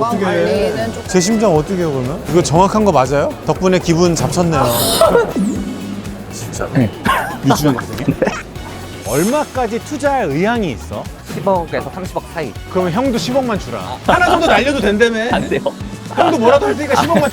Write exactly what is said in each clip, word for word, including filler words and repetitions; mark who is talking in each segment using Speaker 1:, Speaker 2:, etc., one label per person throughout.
Speaker 1: 건강 관리는 좀.
Speaker 2: 제 심장 어떻게 해요 그러면? 이거 정확한 거 맞아요? 덕분에 기분 잡쳤네요. 진짜? 네. 유주영 선생님? 얼마까지 투자할 의향이 있어?
Speaker 3: 십억에서 삼십억 사이.
Speaker 2: 그러면 형도 십억만 주라. 하나 정도 날려도 된다며.
Speaker 3: 안 돼요.
Speaker 2: 형도 뭐라도 할 테니까 십억만.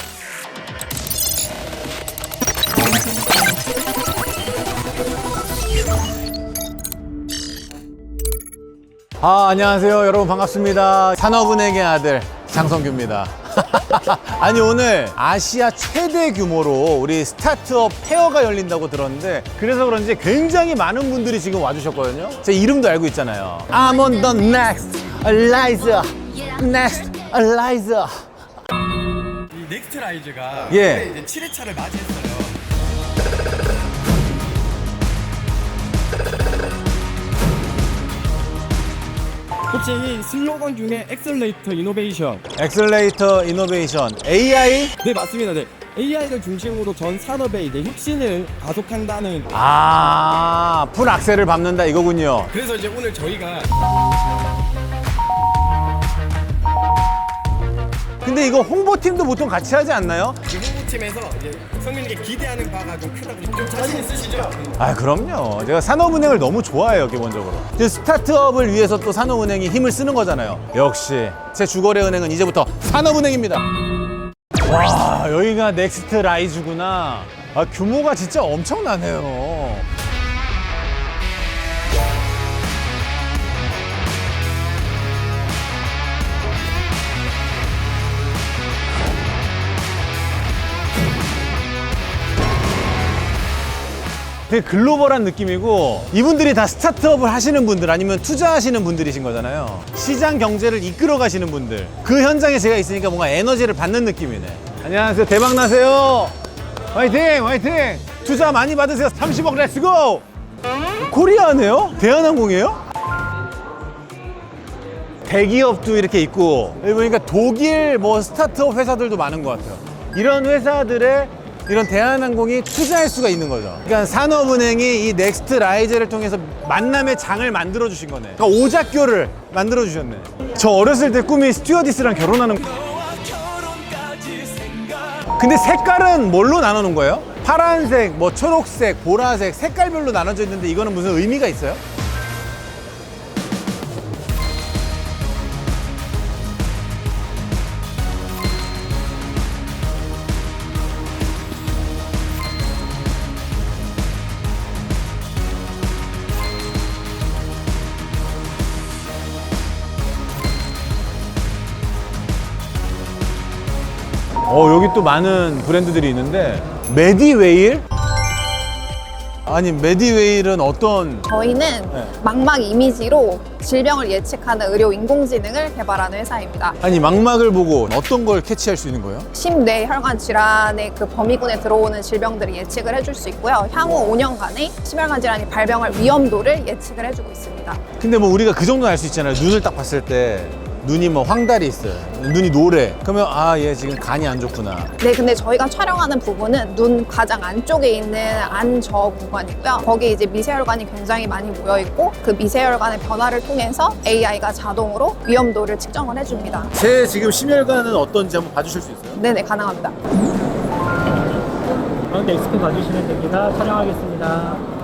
Speaker 2: 아, 안녕하세요. 여러분 반갑습니다. 산업은행의 아들 장성규입니다. 아니, 오늘 아시아 최대 규모로 우리 스타트업 페어가 열린다고 들었는데, 그래서 그런지 굉장히 많은 분들이 지금 와주셨거든요. 제 이름도 알고 있잖아요. I'm on the next Eliza. Next Eliza.
Speaker 4: 이 넥스트 라이즈가
Speaker 2: 예.
Speaker 4: 이제 칠 회차를 맞이했어요. 혹시 이 슬로건 중에 엑셀레이터 이노베이션.
Speaker 2: 엑셀레이터 이노베이션 에이아이?
Speaker 4: 네, 맞습니다. 네. 에이아이를 중심으로 전 산업의 이제 혁신을 가속한다는.
Speaker 2: 아, 풀 악셀을 밟는다 이거군요.
Speaker 4: 그래서 이제 오늘 저희가
Speaker 2: 근데 이거 홍보팀도 보통 같이 하지 않나요?
Speaker 4: 이 홍보팀에서 이제 성민이께 기대하는 바가 좀 크다고. 좀 자신 있으시죠?
Speaker 2: 아, 그럼요. 제가 산업은행을 너무 좋아해요, 기본적으로. 이제 스타트업을 위해서 또 산업은행이 힘을 쓰는 거잖아요. 역시 제 주거래 은행은 이제부터 산업은행입니다. 와, 여기가 넥스트 라이즈구나. 아, 규모가 진짜 엄청나네요. 되게 글로벌한 느낌이고, 이분들이 다 스타트업을 하시는 분들 아니면 투자하시는 분들이신 거잖아요. 시장 경제를 이끌어 가시는 분들. 그 현장에 제가 있으니까 뭔가 에너지를 받는 느낌이네. 안녕하세요. 대박 나세요. 화이팅! 화이팅! 투자 많이 받으세요. 삼십억 렛츠고! 코리아네요? 대한항공이에요? 대기업도 이렇게 있고, 여기 보니까 독일 뭐 스타트업 회사들도 많은 것 같아요. 이런 회사들의 이런 대한항공이 투자할 수가 있는 거죠. 그러니까 산업은행이 이 넥스트 라이즈를 통해서 만남의 장을 만들어 주신 거네. 그러니까 오작교를 만들어 주셨네. 저 어렸을 때 꿈이 스튜어디스랑 결혼하는. 근데 색깔은 뭘로 나눠 놓은 거예요? 파란색, 뭐 초록색, 보라색, 색깔별로 나눠져 있는데 이거는 무슨 의미가 있어요? 어, 여기 또 많은 브랜드들이 있는데, 메디웨일? 아니, 메디웨일은 어떤?
Speaker 1: 저희는
Speaker 2: 네.
Speaker 1: 망막 이미지로 질병을 예측하는 의료 인공지능을 개발하는 회사입니다.
Speaker 2: 아니, 망막을 보고 어떤 걸 캐치할 수 있는 거예요?
Speaker 1: 심뇌혈관 질환의 그 범위군에 들어오는 질병들을 예측을 해줄 수 있고요. 향후 오 년간의 심혈관 질환이 발병할 위험도를 예측을 해주고 있습니다.
Speaker 2: 근데 뭐 우리가 그 정도는 알 수 있잖아요. 눈을 딱 봤을 때 눈이 뭐 황달이 있어요. 눈이 노래. 그러면 아, 얘 지금 간이 안 좋구나.
Speaker 1: 네, 근데 저희가 촬영하는 부분은 눈 가장 안쪽에 있는 안저 구간이고요. 거기에 이제 미세혈관이 굉장히 많이 모여 있고, 그 미세혈관의 변화를 통해서 에이아이가 자동으로 위험도를 측정을 해줍니다.
Speaker 2: 제 지금 심혈관은 어떤지 한번 봐주실 수 있어요?
Speaker 1: 네네, 가능합니다.
Speaker 5: 가운데 엑스피 봐주시면 됩니다. 촬영하겠습니다.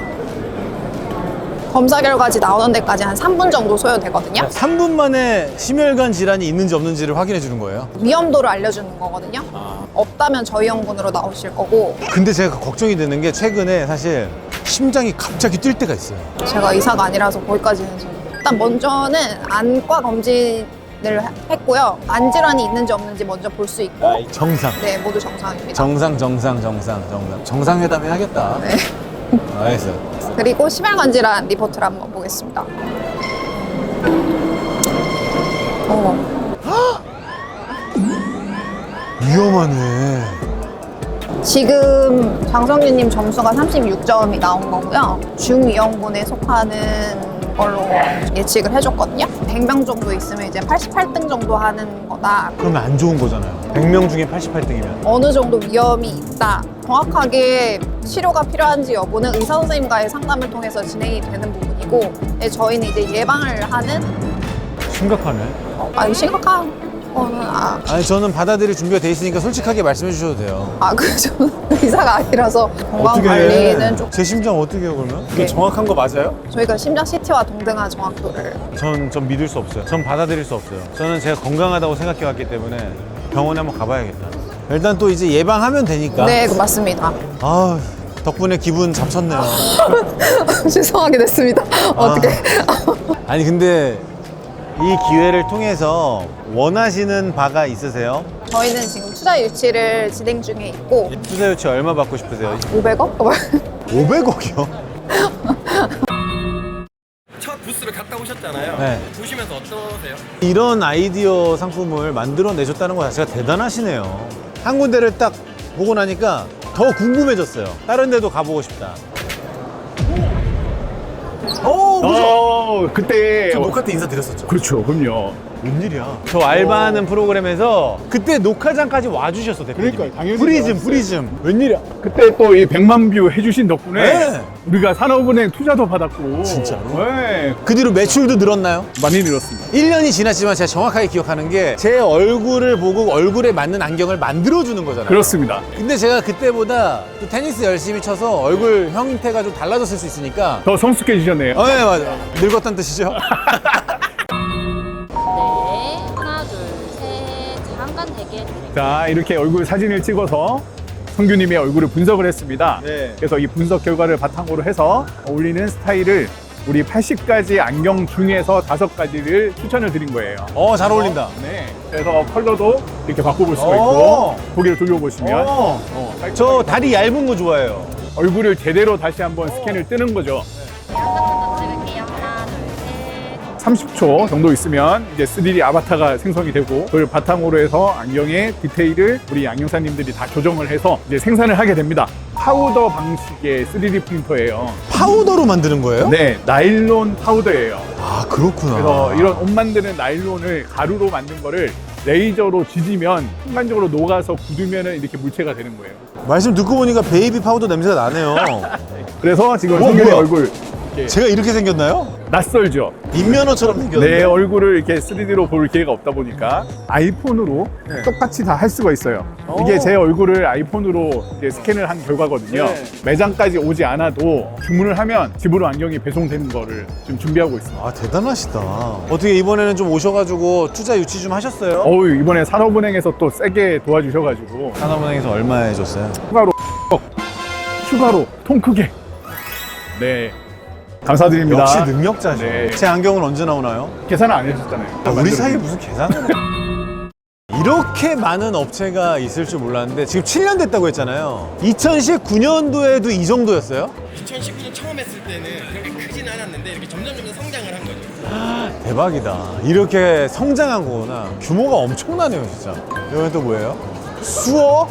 Speaker 1: 검사 결과지 나오는 데까지 한 삼 분 정도 소요되거든요.
Speaker 2: 삼 분 만에 심혈관 질환이 있는지 없는지를 확인해 주는 거예요?
Speaker 1: 위험도를 알려주는 거거든요. 없다면 저희 연군으로 나오실 거고,
Speaker 2: 근데 제가 걱정이 되는 게, 최근에 사실 심장이 갑자기 뛸 때가 있어요.
Speaker 1: 제가 의사가 아니라서 거기까지는 좀. 일단 먼저는 안과 검진을 했고요. 안 질환이 있는지 없는지 먼저 볼 수 있고,
Speaker 2: 정상.
Speaker 1: 네, 모두 정상입니다.
Speaker 2: 정상, 정상, 정상, 정상. 정상회담 해야겠다.
Speaker 1: 네.
Speaker 2: 알겠어.
Speaker 1: 그리고 심혈관 질환 리포트를 한번 보겠습니다. 어.
Speaker 2: 위험하네.
Speaker 1: 지금 장성규님 점수가 삼십육 점이 나온 거고요. 중위험군에 속하는 걸로 예측을 해줬거든요. 백 명 정도 있으면 이제 팔십팔 등 정도 하는 거다.
Speaker 2: 그러면 안 좋은 거잖아요. 백 명 중에 팔십팔 등이면.
Speaker 1: 어느 정도 위험이 있다. 정확하게 치료가 필요한지 여부는 의사 선생님과의 상담을 통해서 진행이 되는 부분이고, 네, 저희는 이제 예방을 하는.
Speaker 2: 심각하네.
Speaker 1: 어, 아니 심각한 저는 아,
Speaker 2: 아니 저는 받아들일 준비가 돼 있으니까 솔직하게 말씀해 주셔도 돼요.
Speaker 1: 아, 그 저는 의사가 아니라서 건강 관리는 좀
Speaker 2: 제 심장 어떻게 해요 그러면?
Speaker 1: 네.
Speaker 2: 정확한 거 맞아요?
Speaker 1: 저희가 심장 씨티와 동등한 정확도를
Speaker 2: 전, 전 믿을 수 없어요. 전 받아들일 수 없어요. 저는 제가 건강하다고 생각해 왔기 때문에 병원에 한번 가봐야겠다. 일단 또 이제 예방하면 되니까.
Speaker 1: 네, 그 맞습니다.
Speaker 2: 아 덕분에 기분 잡쳤네요.
Speaker 1: 죄송하게 됐습니다. 어떻게?
Speaker 2: 아니 근데 이 기회를 통해서 원하시는 바가 있으세요?
Speaker 1: 저희는 지금 투자 유치를 진행 중에 있고
Speaker 2: 투자 유치 얼마 받고 싶으세요?
Speaker 1: 오백억?
Speaker 2: 오백억이요?
Speaker 4: 첫 부스를 갔다 오셨잖아요.
Speaker 2: 네.
Speaker 4: 보시면서 어떠세요?
Speaker 2: 이런 아이디어 상품을 만들어 내셨다는 거 자체가 대단하시네요. 한 군데를 딱 보고 나니까 더 궁금해졌어요. 다른 데도 가보고 싶다. 오, 그죠?
Speaker 6: 어, 그때
Speaker 2: 저 녹화 때 인사드렸었죠.
Speaker 6: 그렇죠, 그럼요.
Speaker 2: 웬일이야? 저 알바하는 프로그램에서 그때 녹화장까지 와주셨어, 대표님.
Speaker 6: 그러니까요, 당연히
Speaker 2: 프리즘,
Speaker 6: 나왔어요.
Speaker 2: 프리즘. 웬일이야?
Speaker 6: 그때 또 이 백만 뷰 해주신 덕분에
Speaker 2: 네.
Speaker 6: 우리가 산업은행 투자도 받았고.
Speaker 2: 진짜로?
Speaker 6: 네,
Speaker 2: 그 뒤로 매출도 늘었나요?
Speaker 6: 많이 늘었습니다.
Speaker 2: 일 년이 지났지만 제가 정확하게 기억하는 게 제 얼굴을 보고 얼굴에 맞는 안경을 만들어주는 거잖아요.
Speaker 6: 그렇습니다.
Speaker 2: 근데 제가 그때보다 또 테니스 열심히 쳐서 얼굴 형태가 좀 달라졌을 수 있으니까
Speaker 6: 더 성숙해지셨네요.
Speaker 2: 어, 네, 맞아. 늙었다는 뜻이죠?
Speaker 7: 네, 하나, 둘, 셋. 잠깐 대기해드릴게요.
Speaker 6: 자, 이렇게 얼굴 사진을 찍어서 성규님의 얼굴을 분석을 했습니다.
Speaker 2: 네.
Speaker 6: 그래서 이 분석 결과를 바탕으로 해서 어울리는 스타일을 우리 팔십 가지 안경 중에서 다섯 가지를 추천을 드린 거예요.
Speaker 2: 어, 잘 어울린다.
Speaker 6: 네. 그래서 컬러도 이렇게 바꿔볼 수가
Speaker 2: 오.
Speaker 6: 있고 고개를 돌려보시면
Speaker 2: 어.
Speaker 6: 어,
Speaker 2: 저 다리 얇은 거 좋아해요.
Speaker 6: 얼굴을 제대로 다시 한번 스캔을 뜨는 거죠.
Speaker 7: 한번더 찍을게요. 하나, 둘, 셋.
Speaker 6: 삼십 초 정도 있으면 이제 쓰리디 아바타가 생성이 되고 그걸 바탕으로 해서 안경의 디테일을 우리 안경사님들이 다 조정을 해서 이제 생산을 하게 됩니다. 파우더 방식의 쓰리디 프린터예요.
Speaker 2: 파우더로 만드는 거예요?
Speaker 6: 네, 나일론 파우더예요.
Speaker 2: 아, 그렇구나.
Speaker 6: 그래서 이런 옷 만드는 나일론을 가루로 만든 거를 레이저로 지지면 순간적으로 녹아서 굳으면 이렇게 물체가 되는 거예요.
Speaker 2: 말씀 듣고 보니까 베이비 파우더 냄새가 나네요.
Speaker 6: 그래서 지금
Speaker 2: 어,
Speaker 6: 성균이
Speaker 2: 뭐야?
Speaker 6: 얼굴 이렇게
Speaker 2: 제가 이렇게 생겼나요?
Speaker 6: 낯설죠?
Speaker 2: 인면허처럼 생겼는데.
Speaker 6: 내 얼굴을 이렇게 쓰리디로 볼 기회가 없다 보니까 아이폰으로 똑같이 다 할 수가 있어요. 이게 제 얼굴을 아이폰으로 이제 스캔을 한 결과거든요.
Speaker 2: 네.
Speaker 6: 매장까지 오지 않아도 주문을 하면 집으로 안경이 배송되는 거를 지금 준비하고 있습니다.
Speaker 2: 아, 대단하시다. 어떻게 이번에는 좀 오셔가지고 투자 유치 좀 하셨어요?
Speaker 6: 어우, 이번에 산업은행에서 또 세게 도와주셔가지고
Speaker 2: 산업은행에서 얼마 해줬어요?
Speaker 6: 추가로 추가로 통 크게 네 감사드립니다.
Speaker 2: 역시 능력자죠.
Speaker 6: 네.
Speaker 2: 제 안경은 언제 나오나요?
Speaker 6: 계산을 안 해주셨잖아요.
Speaker 2: 아, 우리 사이에 무슨 계산을 이렇게 많은 업체가 있을 줄 몰랐는데 지금 칠 년 됐다고 했잖아요. 이천십구 년도에도 이 정도였어요?
Speaker 4: 이천십구 년 처음 했을 때는 그렇게 크진 않았는데 이렇게 점점 점점 성장을 한 거죠.
Speaker 2: 대박이다. 이렇게 성장한 거구나. 규모가 엄청나네요, 진짜. 이건 또 뭐예요? 수어?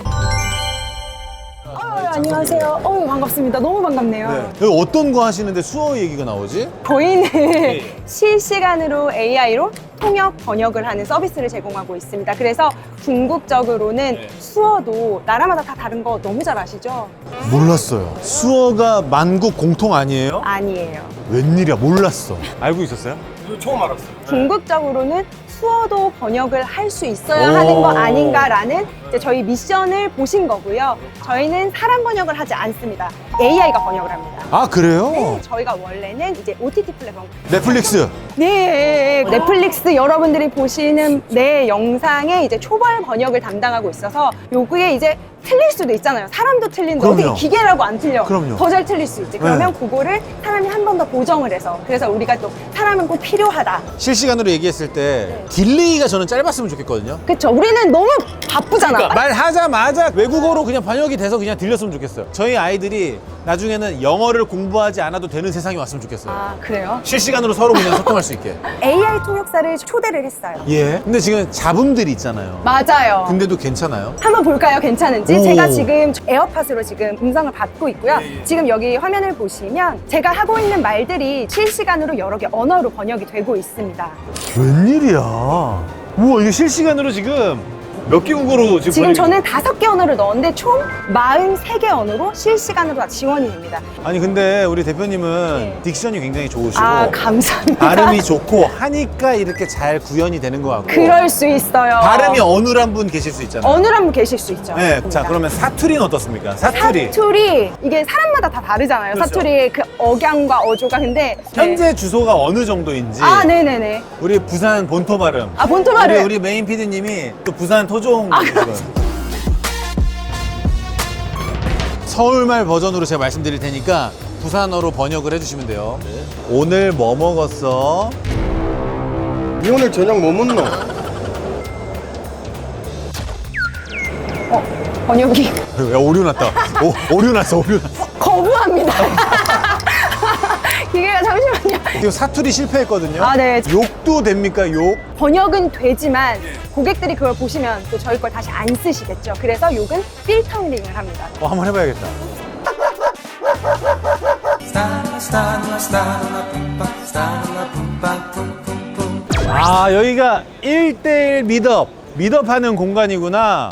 Speaker 8: 안녕하세요. 어우, 반갑습니다. 너무 반갑네요.
Speaker 2: 여기 어떤 거 하시는데 수어 얘기가 나오지?
Speaker 8: 저희는 실시간으로 에이아이로 통역 번역을 하는 서비스를 제공하고 있습니다. 그래서 궁극적으로는 수어도 나라마다 다 다른 거 너무 잘 아시죠?
Speaker 2: 몰랐어요. 수어가 만국 공통 아니에요?
Speaker 8: 아니에요.
Speaker 2: 웬일이야, 몰랐어. 알고 있었어요?
Speaker 4: 처음 알았어요.
Speaker 8: 궁극적으로는 수어도 번역을 할 수 있어야
Speaker 2: 오.
Speaker 8: 하는 거 아닌가라는 이제 저희 미션을 보신 거고요. 저희는 사람 번역을 하지 않습니다. 에이아이가 번역을 합니다.
Speaker 2: 아, 그래요?
Speaker 8: 네, 저희가 원래는 이제 오티티 플랫폼
Speaker 2: 넷플릭스.
Speaker 8: 네, 넷플릭스 여러분들이 보시는 내 영상에 이제 초벌 번역을 담당하고 있어서 요게 이제 틀릴 수도 있잖아요. 사람도 틀린데
Speaker 2: 그럼요.
Speaker 8: 어떻게 기계라고 안 틀려?
Speaker 2: 그럼요.
Speaker 8: 더 잘 틀릴 수 있지. 그러면 그거를 사람이 한 번 더 보정을 해서 그래서 우리가 또 사람은 꼭 필요하다.
Speaker 2: 실시간으로 얘기했을 때 딜레이가 저는 짧았으면 좋겠거든요.
Speaker 8: 그쵸? 우리는 너무 바쁘잖아.
Speaker 2: 그러니까 말하자마자 외국어로 그냥 번역이 돼서 그냥 들렸으면 좋겠어요. 저희 아이들이 나중에는 영어를 공부하지 않아도 되는 세상이 왔으면 좋겠어요.
Speaker 8: 아, 그래요?
Speaker 2: 실시간으로 서로 그냥 소통할 수 있게.
Speaker 8: 에이아이 통역사를 초대를 했어요.
Speaker 2: 예. 근데 지금 잡음들이 있잖아요.
Speaker 8: 맞아요.
Speaker 2: 근데도 괜찮아요?
Speaker 8: 한번 볼까요? 괜찮은지?
Speaker 2: 오.
Speaker 8: 제가 지금 에어팟으로 지금 음성을 받고 있고요. 지금 여기 화면을 보시면 제가 하고 있는 말들이 실시간으로 여러 개 언어로 번역이 되고 있습니다.
Speaker 2: 웬일이야. 우와, 이게 실시간으로 지금 몇 개 국어로 지금
Speaker 8: 지금
Speaker 2: 번역이-
Speaker 8: 저는 다섯 개 언어를 넣었는데 총 사십삼 개 언어로 실시간으로 다 지원이 됩니다.
Speaker 2: 아니 근데 우리 대표님은
Speaker 8: 네.
Speaker 2: 딕션이 굉장히 좋으시고
Speaker 8: 아, 감사합니다.
Speaker 2: 발음이 좋고 하니까 이렇게 잘 구현이 되는 것 같고
Speaker 8: 그럴 수 있어요.
Speaker 2: 발음이 어눌한 분 계실 수 있잖아요.
Speaker 8: 어느 한 분 계실 수 있죠.
Speaker 2: 네, 자
Speaker 8: 맞습니다.
Speaker 2: 그러면 사투리는 어떻습니까? 사투리.
Speaker 8: 사투리 이게 사람마다 다 다르잖아요.
Speaker 2: 그렇죠.
Speaker 8: 사투리의 그 억양과 어조가 근데
Speaker 2: 현재 주소가 어느 정도인지
Speaker 8: 아 네네네.
Speaker 2: 우리 부산 본토 발음.
Speaker 8: 아 본토 발음.
Speaker 2: 우리, 우리 메인 피디님이 또 부산 토종.
Speaker 8: 아,
Speaker 2: 서울말 버전으로 제가 말씀드릴 테니까 부산어로 번역을 해주시면 돼요. 오늘 뭐 먹었어?
Speaker 9: 니 오늘 저녁 뭐 먹노?
Speaker 8: 번역이
Speaker 2: 야 오류 났다. 오, 오류 났어 오류 났어.
Speaker 8: 거부합니다. 기계가 잠시만요.
Speaker 2: 지금 사투리 실패했거든요.
Speaker 8: 아, 네.
Speaker 2: 욕도 됩니까 욕?
Speaker 8: 번역은 되지만 고객들이 그걸 보시면 또 저희 걸 다시 안 쓰시겠죠. 그래서 욕은 필터링을 합니다.
Speaker 2: 어 한번 해봐야겠다. 아 여기가 일대일 미덥 미덥하는 공간이구나.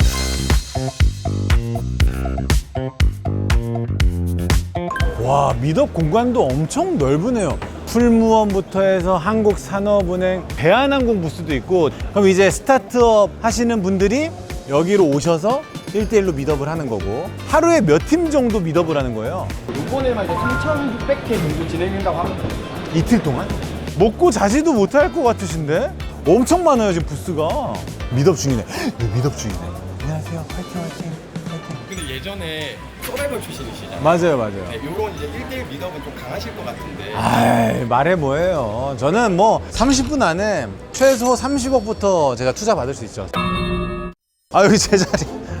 Speaker 2: 와 미덥 공간도 엄청 넓으네요. 풀무원부터 해서 한국산업은행, 대한항공 부스도 있고. 그럼 이제 스타트업 하시는 분들이 여기로 오셔서 일대일로 미덥을 하는 거고, 하루에 몇 팀 정도 미덥을 하는 거예요?
Speaker 4: 이번에만 이제 삼천육백 회 정도 진행된다고 합니다.
Speaker 2: 이틀 동안? 먹고 자지도 못할 것 같으신데? 엄청 많아요 지금 부스가. 미덥 중이네. 여기 미덥 중이네. 안녕하세요. 화이팅 화이팅 화이팅.
Speaker 4: 근데 예전에 서바이벌 출신이시잖아요.
Speaker 2: 맞아요 맞아요.
Speaker 4: 네, 요런 이제 일대일 미덕은 좀 강하실 것 같은데.
Speaker 2: 아이 말해 뭐예요. 저는 뭐 삼십 분 안에 최소 삼십억부터 제가 투자 받을 수 있죠. 아 여기 제 자리.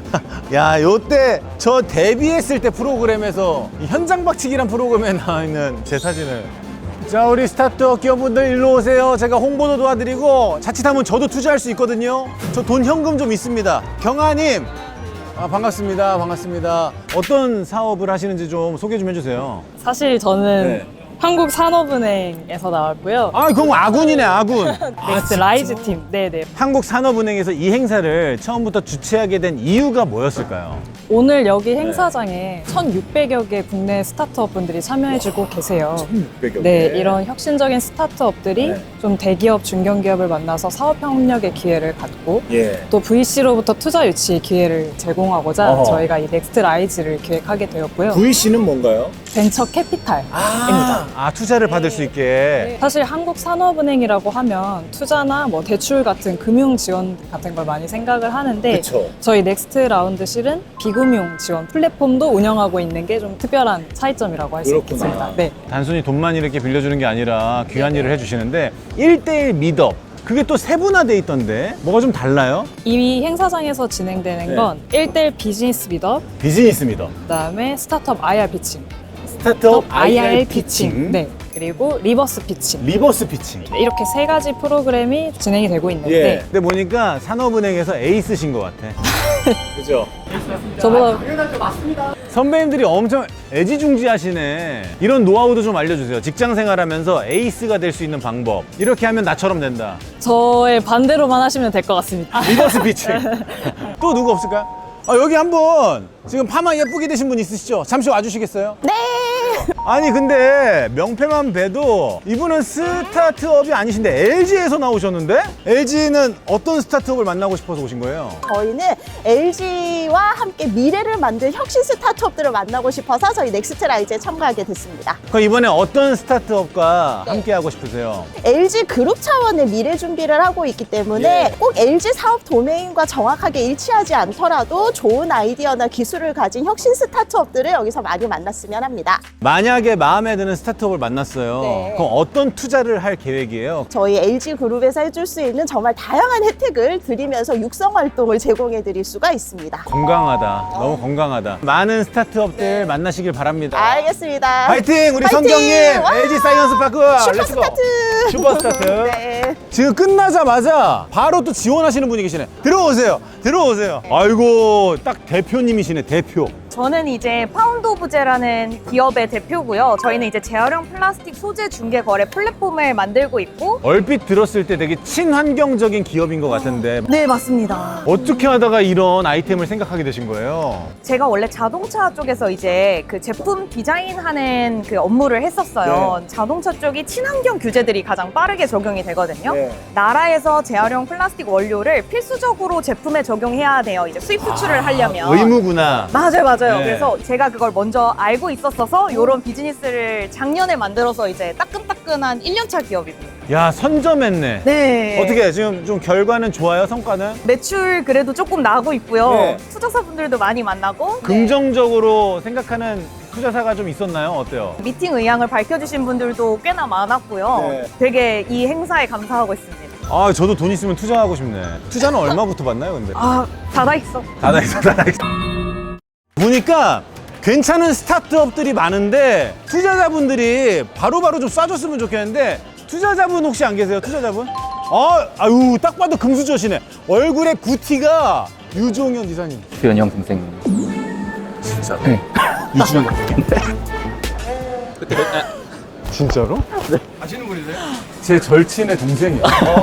Speaker 2: 야 요때 저 데뷔했을 때 프로그램에서 이 현장 박치기란 프로그램에 나와 있는 제 사진을. 자 우리 스타트업 기업분들 일로 오세요. 제가 홍보도 도와드리고 자칫하면 저도 투자할 수 있거든요. 저 돈 현금 좀 있습니다. 경아님. 아 반갑습니다. 반갑습니다. 어떤 사업을 하시는지 좀 소개 좀 해주세요.
Speaker 10: 사실 저는
Speaker 2: 네.
Speaker 10: 한국산업은행에서 나왔고요.
Speaker 2: 아 그럼 아군이네 아군.
Speaker 10: 넥스트 라이즈 팀. 네네.
Speaker 2: 한국산업은행에서 이 행사를 처음부터 주최하게 된 이유가 뭐였을까요?
Speaker 10: 오늘 여기 행사장에 천육백여 개 국내 스타트업 분들이 참여해주고 계세요.
Speaker 2: 천육백여
Speaker 10: 네, 이런 혁신적인 스타트업들이
Speaker 2: 네.
Speaker 10: 좀 대기업, 중견기업을 만나서 사업 협력의 기회를 갖고
Speaker 2: 예.
Speaker 10: 또 브이씨로부터 투자 유치 기회를 제공하고자
Speaker 2: 어허.
Speaker 10: 저희가 이 넥스트 라이즈를 기획하게 되었고요.
Speaker 2: 브이씨는 뭔가요?
Speaker 10: 벤처 캐피탈입니다.
Speaker 2: 아 투자를 받을 수 있게.
Speaker 10: 사실 한국산업은행이라고 하면 투자나 뭐 대출 같은 금융 지원 같은 걸 많이 생각을 하는데
Speaker 2: 그쵸.
Speaker 10: 저희 넥스트 라운드실은 비금융 지원 플랫폼도 운영하고 있는 게 좀 특별한 차이점이라고 할 수
Speaker 2: 그렇구나.
Speaker 10: 있겠습니다. 네.
Speaker 2: 단순히 돈만 이렇게 빌려주는 게 아니라 귀한 일을 해주시는데 일대일 미덥 그게 또 세분화돼 있던데 뭐가 좀 달라요?
Speaker 10: 이 행사장에서 진행되는
Speaker 2: 네.
Speaker 10: 건 일대일 비즈니스 미덕,
Speaker 2: 비즈니스 미덥,
Speaker 10: 그다음에 스타트업 아이알 피칭,
Speaker 2: 스타트업
Speaker 10: 아이알 피칭, 네. 그리고 리버스 피칭.
Speaker 2: 리버스 피칭.
Speaker 10: 네, 이렇게 세 가지 프로그램이 진행이 되고 있는데
Speaker 2: 예. 근데 보니까 산업은행에서 에이스신 것 같아. 그죠?
Speaker 10: 저보다
Speaker 2: 선배님들이 엄청 애지중지하시네. 이런 노하우도 좀 알려주세요. 직장 생활하면서 에이스가 될 수 있는 방법. 이렇게 하면 나처럼 된다.
Speaker 10: 저의 반대로만 하시면 될 것 같습니다.
Speaker 2: 리버스 피칭. 또 누구 없을까요? 아, 여기 한분 지금 파마 예쁘게 되신 분 있으시죠? 잠시 와주시겠어요?
Speaker 8: 네.
Speaker 2: 아니 근데 명패만 봬도 이분은 스타트업이 아니신데 엘지에서 나오셨는데? 엘지는 어떤 스타트업을 만나고 싶어서 오신 거예요?
Speaker 11: 저희는 엘지와 함께 미래를 만들 혁신 스타트업들을 만나고 싶어서 저희 넥스트라이즈에 참가하게 됐습니다.
Speaker 2: 그럼 이번에 어떤 스타트업과 함께 하고 싶으세요?
Speaker 11: 엘지 그룹 차원의 미래 준비를 하고 있기 때문에
Speaker 2: 예.
Speaker 11: 꼭 엘지 사업 도메인과 정확하게 일치하지 않더라도 좋은 아이디어나 기술을 가진 혁신 스타트업들을 여기서 많이 만났으면 합니다.
Speaker 2: 만약에 마음에 드는 스타트업을 만났어요.
Speaker 11: 네.
Speaker 2: 그럼 어떤 투자를 할 계획이에요?
Speaker 11: 저희 엘지 그룹에서 해줄 수 있는 정말 다양한 혜택을 드리면서 육성 활동을 제공해 드릴 수가 있습니다.
Speaker 2: 건강하다. 너무 건강하다. 많은 스타트업들 만나시길 바랍니다.
Speaker 11: 알겠습니다.
Speaker 2: 파이팅! 우리
Speaker 11: 파이팅!
Speaker 2: 성경님!
Speaker 11: 와!
Speaker 2: 엘지 사이언스 파크!
Speaker 11: 슈퍼
Speaker 2: 렛츠고!
Speaker 11: 스타트!
Speaker 2: 슈퍼 스타트!
Speaker 11: 네.
Speaker 2: 지금 끝나자마자 바로 또 지원하시는 분이 계시네. 들어오세요. 들어오세요. 아이고, 딱 대표님이시네, 대표.
Speaker 10: 저는 이제 파운드 오브 제라는 기업의 대표고요. 저희는 이제 재활용 플라스틱 소재 중개 거래 플랫폼을 만들고 있고.
Speaker 2: 얼핏 들었을 때 되게 친환경적인 기업인 것 같은데
Speaker 10: 네, 맞습니다.
Speaker 2: 어떻게 하다가 이런 아이템을 생각하게 되신 거예요?
Speaker 10: 제가 원래 자동차 쪽에서 이제 그 제품 디자인하는 그 업무를 했었어요. 자동차 쪽이 친환경 규제들이 가장 빠르게 적용이 되거든요. 나라에서 재활용 플라스틱 원료를 필수적으로 제품에 적용해야 돼요. 이제 수입 수출을 하려면.
Speaker 2: 의무구나.
Speaker 10: 맞아요, 맞아요.
Speaker 2: 네.
Speaker 10: 그래서 제가 그걸 먼저 알고 있었어서 이런 비즈니스를 작년에 만들어서 이제 따끈따끈한 일 년 차 기업입니다.
Speaker 2: 야, 선점했네.
Speaker 10: 네.
Speaker 2: 어떻게 지금 좀 결과는 좋아요? 성과는?
Speaker 10: 매출 그래도 조금 나고 있고요.
Speaker 2: 네.
Speaker 10: 투자사분들도 많이 만나고.
Speaker 2: 긍정적으로 생각하는 투자사가 좀 있었나요? 어때요?
Speaker 10: 미팅 의향을 밝혀주신 분들도 꽤나 많았고요.
Speaker 2: 네.
Speaker 10: 되게 이 행사에 감사하고 있습니다.
Speaker 2: 아, 저도 돈 있으면 투자하고 싶네. 투자는 얼마부터 받나요, 근데?
Speaker 10: 아, 닫아있어.
Speaker 2: 닫아있어, 닫아있어. 보니까 괜찮은 스타트업들이 많은데 투자자분들이 바로바로 좀 쏴줬으면 좋겠는데 투자자분 혹시 안 계세요? 투자자분? 아, 아유, 딱 봐도 금수저시네. 얼굴에 구티가 유종현 이사님.
Speaker 3: 규현이 형 동생.
Speaker 2: 진짜?
Speaker 3: 네.
Speaker 2: 이주영 동생인데? 그때 진짜로? 네.
Speaker 9: 아시는 분이세요?
Speaker 2: 제 절친의 동생이야.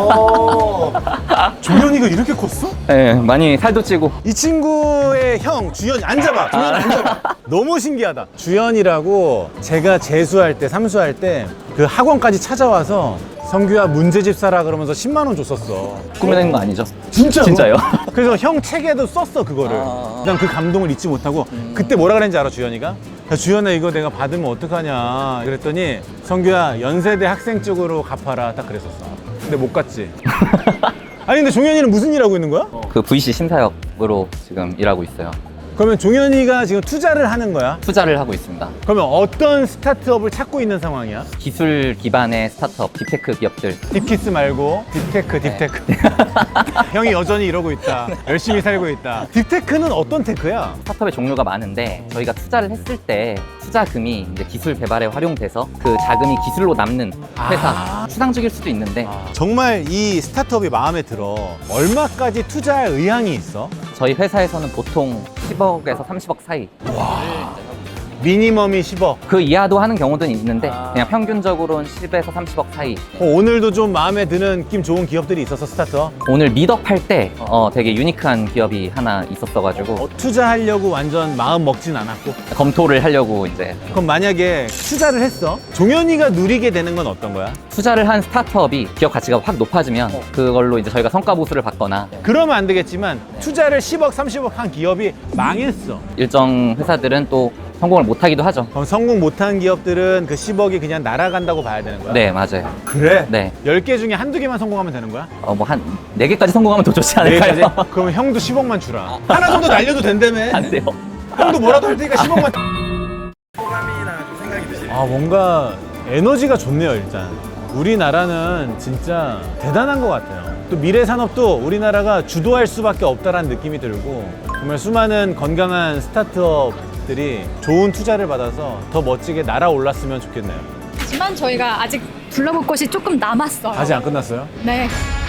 Speaker 2: 종현이가 이렇게 컸어?
Speaker 3: 네, 많이 살도 찌고.
Speaker 2: 이 친구의 형 주현이 앉아봐. 주현 앉아봐. 너무 신기하다. 주현이라고 제가 재수할 때 삼수할 때 그 학원까지 찾아와서 성규야 문제집 사라 그러면서 십만 원 줬었어.
Speaker 3: 꾸며낸 거 아니죠?
Speaker 2: 진짜로?
Speaker 3: 진짜요?
Speaker 2: 그래서 형 책에도 썼어 그거를.
Speaker 3: 아.
Speaker 2: 그냥 그 감동을 잊지 못하고 그때 뭐라 그랬는지 알아 주현이가? 야, 주현아 이거 내가 받으면 어떡하냐 그랬더니 성규야 연세대 학생 쪽으로 갚아라 딱 그랬었어. 근데 못 갔지. 아니 근데 종현이는 무슨 일 하고 있는 거야?
Speaker 3: 그 브이씨 심사역으로 지금 일하고 있어요.
Speaker 2: 그러면 종현이가 지금 투자를 하는 거야?
Speaker 3: 투자를 하고 있습니다.
Speaker 2: 그러면 어떤 스타트업을 찾고 있는 상황이야?
Speaker 3: 기술 기반의 스타트업, 딥테크 기업들.
Speaker 2: 딥키스 말고 딥테크, 딥테크. 형이 여전히 이러고 있다. 열심히 살고 있다. 딥테크는 어떤 테크야?
Speaker 3: 스타트업의 종류가 많은데 저희가 투자를 했을 때 투자금이 이제 기술 개발에 활용돼서 그 자금이 기술로 남는 회사,
Speaker 2: 아.
Speaker 3: 추상적일 수도 있는데
Speaker 2: 정말 이 스타트업이 마음에 들어. 얼마까지 투자할 의향이 있어?
Speaker 3: 저희 회사에서는 보통 십억에서 삼십억 사이.
Speaker 2: 미니멈이 십억.
Speaker 3: 그 이하도 하는 경우도 있는데 그냥 평균적으로는 십에서 삼십억 사이.
Speaker 2: 어, 오늘도 좀 마음에 드는 느낌 좋은 기업들이 있어서 스타트업?
Speaker 3: 오늘 미덕 할 때 어, 되게 유니크한 기업이 하나 있었어가지고
Speaker 2: 어, 투자하려고 완전 마음 먹진 않았고.
Speaker 3: 검토를 하려고 이제.
Speaker 2: 그럼 만약에 투자를 했어? 종현이가 누리게 되는 건 어떤 거야?
Speaker 3: 투자를 한 스타트업이 기업 가치가 확 높아지면 그걸로 이제 저희가 성과 보수를 받거나
Speaker 2: 그러면 안 되겠지만 투자를 십억, 삼십억 한 기업이 망했어.
Speaker 3: 일정 회사들은 또 성공을 못하기도 하죠.
Speaker 2: 그럼 성공 못한 기업들은 그 십억이 그냥 날아간다고 봐야 되는 거야?
Speaker 3: 네, 맞아요.
Speaker 2: 그래?
Speaker 3: 네.
Speaker 2: 열 개 중에 한두 개만 성공하면 되는 거야?
Speaker 3: 어, 뭐 한 네 개까지 성공하면 더 좋지 않을까요?
Speaker 2: 네 개까지? 그러면 형도 십억만 주라. 하나 정도 날려도 된다며.
Speaker 3: 안 돼요.
Speaker 2: 형도 뭐라도 할 테니까 십억만.
Speaker 9: 호감이나 좀 생각이 드시나요?
Speaker 2: 아, 뭔가 에너지가 좋네요, 일단. 우리나라는 진짜 대단한 것 같아요. 또 미래 산업도 우리나라가 주도할 수밖에 없다라는 느낌이 들고 정말 수많은 건강한 스타트업들이 좋은 투자를 받아서 더 멋지게 날아올랐으면 좋겠네요.
Speaker 7: 하지만 저희가 아직 둘러볼 곳이 조금 남았어요.
Speaker 2: 아직 안 끝났어요?
Speaker 7: 네.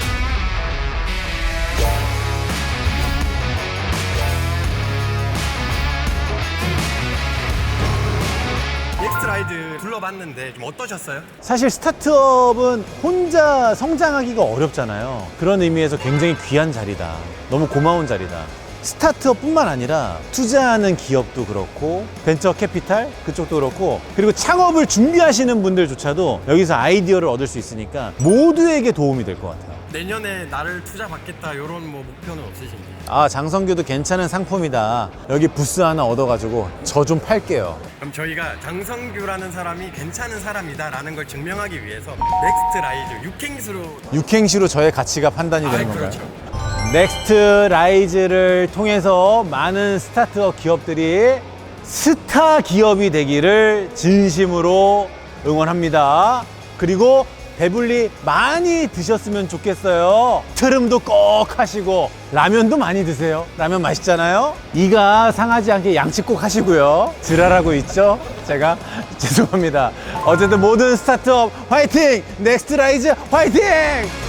Speaker 9: 넥스트라이드 둘러봤는데 좀 어떠셨어요?
Speaker 2: 사실 스타트업은 혼자 성장하기가 어렵잖아요. 그런 의미에서 굉장히 귀한 자리다. 너무 고마운 자리다. 스타트업뿐만 아니라 투자하는 기업도 그렇고 벤처 캐피탈 그쪽도 그렇고 그리고 창업을 준비하시는 분들조차도 여기서 아이디어를 얻을 수 있으니까 모두에게 도움이 될 것 같아요.
Speaker 9: 내년에 나를 투자 받겠다 이런 뭐 목표는 없으신지?
Speaker 2: 아, 장성규도 괜찮은 상품이다. 여기 부스 하나 얻어가지고 저 좀 팔게요.
Speaker 9: 그럼 저희가 장성규라는 사람이 괜찮은 사람이다라는 걸 증명하기 위해서 넥스트라이즈 육행수로
Speaker 2: 육행시로 저의 가치가 판단이 되는
Speaker 9: 아,
Speaker 2: 건가요?
Speaker 9: 그렇죠.
Speaker 2: 넥스트라이즈를 통해서 많은 스타트업 기업들이 스타 기업이 되기를 진심으로 응원합니다. 그리고 배불리 많이 드셨으면 좋겠어요. 트름도 꼭 하시고 라면도 많이 드세요. 라면 맛있잖아요. 이가 상하지 않게 양치 꼭 하시고요. 지랄하고 있죠? 제가 죄송합니다. 어쨌든 모든 스타트업 화이팅! 넥스트라이즈 화이팅!